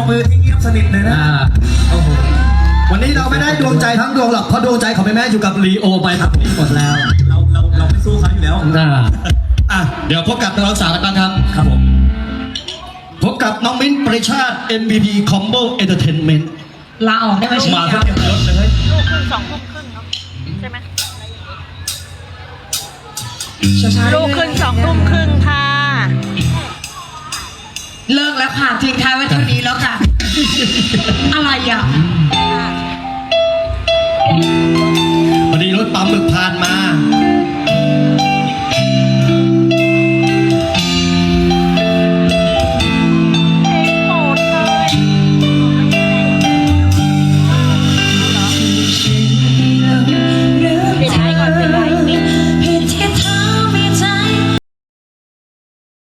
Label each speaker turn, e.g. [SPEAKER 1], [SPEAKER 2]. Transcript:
[SPEAKER 1] บมือที่เงียบสนิทเลยนะโอ้โหวันนี้เราไม่ได้ดวงใจทั้งดวงหรอกเพราะดวงใจของแม่อยู่กับลีโอไปครับนี่หมดแล้วเราไม่สู้เขาอยู่แล้วเดี๋ยวพบกับนักร้องสาวกันบ้างครับครับผมพบกับน้องมิ้นท์ปริชาติ MVP Combo Entertainment
[SPEAKER 2] ลาออกได้ไหม
[SPEAKER 1] มาเต็มยศเลย
[SPEAKER 3] ลูกครึ่ง2 ทุ่มครึ่งเนาะใช่ไหม ลูกครึ่ง2 ทุ่มครึ่งค่ะ
[SPEAKER 2] เลิกแล้วค่ะทิ้งท้ายไว้เท่านี้แล้วค่ะ อะไรอ่ะ
[SPEAKER 1] พอดีรถปั๊มหมึกผ่านมา